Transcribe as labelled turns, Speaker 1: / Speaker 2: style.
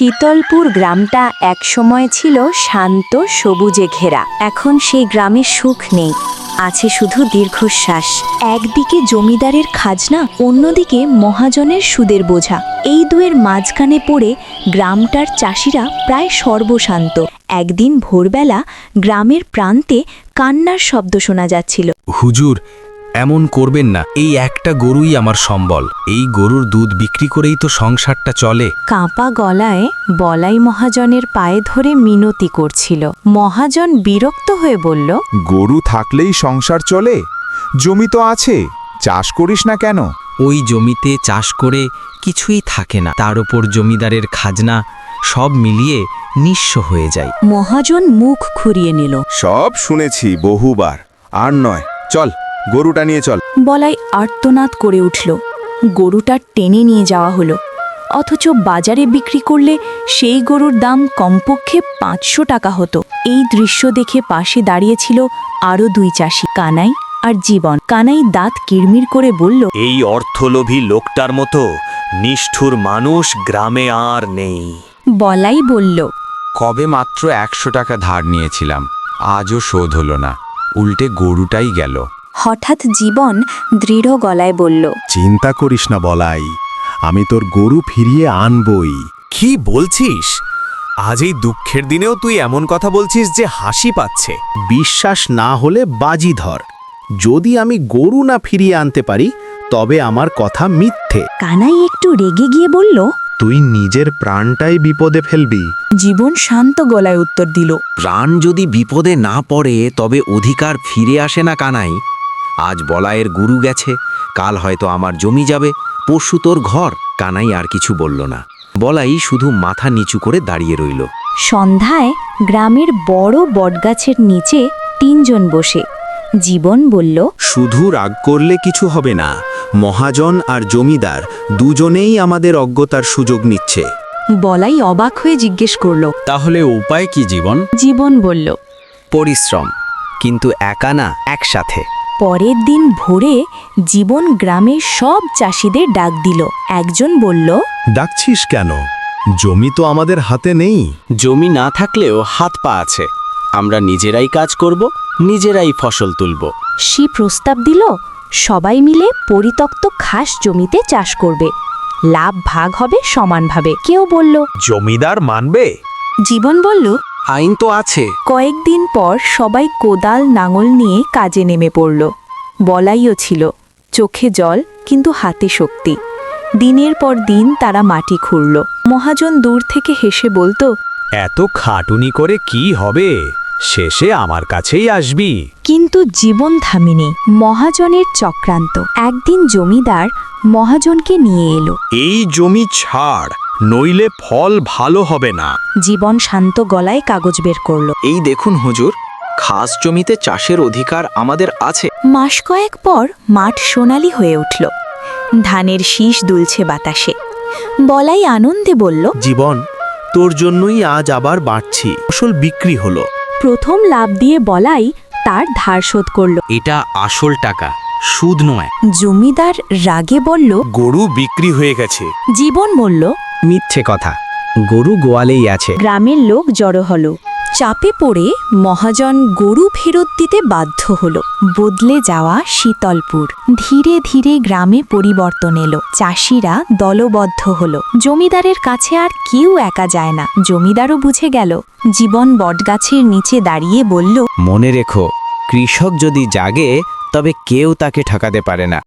Speaker 1: শীতলপুর গ্রামটা একসময় ছিল শান্ত সবুজে ঘেরা। এখন সেই গ্রামে সুখ নেই, আছে শুধু দীর্ঘশ্বাস। একদিকে জমিদারের খাজনা, অন্যদিকে মহাজনের সুদের বোঝা। এই দুয়ের মাঝখানে পড়ে গ্রামটার চাষিরা প্রায় সর্বশান্ত। একদিন ভোরবেলা গ্রামের প্রান্তে কান্নার শব্দ শোনা যাচ্ছিল।
Speaker 2: হুজুর, এমন করবেন না, এই একটা গরুই আমার সম্বল। এই গরুর দুধ বিক্রি করেই তো সংসারটা চলে।
Speaker 1: কাঁপা গলায় বলাই মহাজনের পায়ে ধরে মিনতি করছিল। মহাজন বিরক্ত হয়ে বলল,
Speaker 3: গরু থাকলেই সংসার চলে? জমি তো আছে, চাষ করিস না কেন?
Speaker 2: ওই জমিতে চাষ করে কিছুই থাকে না, তার ওপর জমিদারের খাজনা, সব মিলিয়ে নিঃস্ব হয়ে যায়।
Speaker 1: মহাজন মুখ ঘুরিয়ে নিল।
Speaker 3: সব শুনেছি বহুবার, আর নয়, চল গরুটা নিয়ে চল।
Speaker 1: বলাই আর্তনাদ করে উঠল। গরুটা টেনে নিয়ে যাওয়া হলো, অথচ বাজারে বিক্রি করলে সেই গরুর দাম কমপক্ষে 500 টাকা হতো। এই দৃশ্য দেখে পাশে দাঁড়িয়েছিল আরও দুই চাষি, কানাই আর জীবন। কানাই দাঁত কিড়মির করে বলল,
Speaker 4: এই অর্থলোভী লোকটার মতো নিষ্ঠুর মানুষ গ্রামে আর নেই।
Speaker 1: বলাই বলল,
Speaker 3: কবে মাত্র 100 টাকা ধার নিয়েছিলাম, আজও শোধ হলো না, উল্টে গরুটাই গেল।
Speaker 1: হঠাৎ জীবন দৃঢ় গলায় বলল,
Speaker 5: চিন্তা করিস না বলাই, আমি তোর গরু ফিরিয়ে আনবই।
Speaker 4: কি বলছিস? আজ এই দুঃখের দিনেও তুই এমন কথা বলছিস যে হাসি পাচ্ছে।
Speaker 5: বিশ্বাস না হলে বাজি ধর, যদি আমি গরু না ফিরিয়ে আনতে পারি তবে আমার কথা মিথ্যে।
Speaker 1: কানাই একটু রেগে গিয়ে বলল,
Speaker 5: তুই নিজের প্রাণটাই বিপদে ফেলবি।
Speaker 1: জীবন শান্ত গলায় উত্তর দিল,
Speaker 2: প্রাণ যদি বিপদে না পড়ে তবে অধিকার ফিরে আসে না কানাই। আজ বলায়ের গরু গেছে, কাল হয়তো আমার জমি যাবে, পরশু তোর ঘর। কানাই আর কিছু বলল না, বলাই শুধু মাথা নিচু করে দাঁড়িয়ে রইল।
Speaker 1: সন্ধ্যায় গ্রামের বড় বটগাছের নিচে 3 জন বসে। জীবন বলল,
Speaker 6: শুধু রাগ করলে কিছু হবে না, মহাজন আর জমিদার দুজনেই আমাদের অজ্ঞতার সুযোগ নিচ্ছে।
Speaker 1: বলাই অবাক হয়ে জিজ্ঞেস করল,
Speaker 2: তাহলে উপায় কি জীবন?
Speaker 1: জীবন বলল,
Speaker 2: পরিশ্রম, কিন্তু একা না, একসাথে।
Speaker 1: পরের দিন ভোরে জীবন গ্রামের সব চাষিদের ডাক দিল। একজন বলল,
Speaker 5: ডাকছিস কেন? জমি তো আমাদের হাতে নেই।
Speaker 4: জমি না থাকলেও হাত পা আছে, আমরা নিজেরাই কাজ করব, নিজেরাই ফসল তুলব।
Speaker 1: সে প্রস্তাব দিল, সবাই মিলে পরিত্যক্ত খাস জমিতে চাষ করবে, লাভ ভাগ হবে সমানভাবে। কেউ বলল,
Speaker 4: জমিদার মানবে?
Speaker 1: জীবন বলল,
Speaker 2: আইন তো আছে।
Speaker 1: কয়েকদিন পর সবাই কোদাল নাঙল নিয়ে কাজে নেমে পড়ল। বলাইও ছিল, চোখে জল কিন্তু হাতে শক্তি। দিনের পর দিন তারা মাটি খুঁড়ল। মহাজন দূর থেকে হেসে বলতো,
Speaker 4: এত খাটুনি করে কি হবে, শেষে আমার কাছেই আসবি।
Speaker 1: কিন্তু জীবন থামেনি। মহাজনের চক্রান্ত। একদিন জমিদার মহাজনকে নিয়ে এলো।
Speaker 4: এই জমি ছাড়, নইলে ফল ভালো হবে না।
Speaker 1: জীবন শান্ত গলায় কাগজ বের করল।
Speaker 2: এই দেখুন হুজুর, খাস জমিতে চাষের অধিকার আমাদের আছে।
Speaker 1: মাস কয়েক পর মাঠ সোনালি হয়ে উঠল, ধানের শীষ দুলছে বাতাসে। বলাই আনন্দে বলল,
Speaker 5: জীবন, তোর জন্যই আজ আবার বাড়ছি, ফসল বিক্রি হলো।
Speaker 1: প্রথম লাভ দিয়ে বলাই তার ধার শোধ করল।
Speaker 2: এটা আসল টাকা, সুদ নয়।
Speaker 1: জমিদার রাগে বলল,
Speaker 4: গরু বিক্রি হয়ে গেছে।
Speaker 1: জীবন বলল,
Speaker 2: মিথ্যে কথা, গরু গোয়ালেই আছে।
Speaker 1: গ্রামের লোক জড়ো হলো। চাপে পড়ে মহাজন গরু ফেরত দিতে বাধ্য হলো। বদলে যাওয়া শীতলপুর। ধীরে ধীরে গ্রামে পরিবর্তন এলো। চাষিরা দলবদ্ধ হলো। জমিদারের কাছে আর কেউ একা যায় না। জমিদারও বুঝে গেল। জীবন বটগাছের নিচে দাঁড়িয়ে বলল,
Speaker 2: মনে রেখো, কৃষক যদি জাগে তবে কেউ তাকে ঠকাতে পারে না।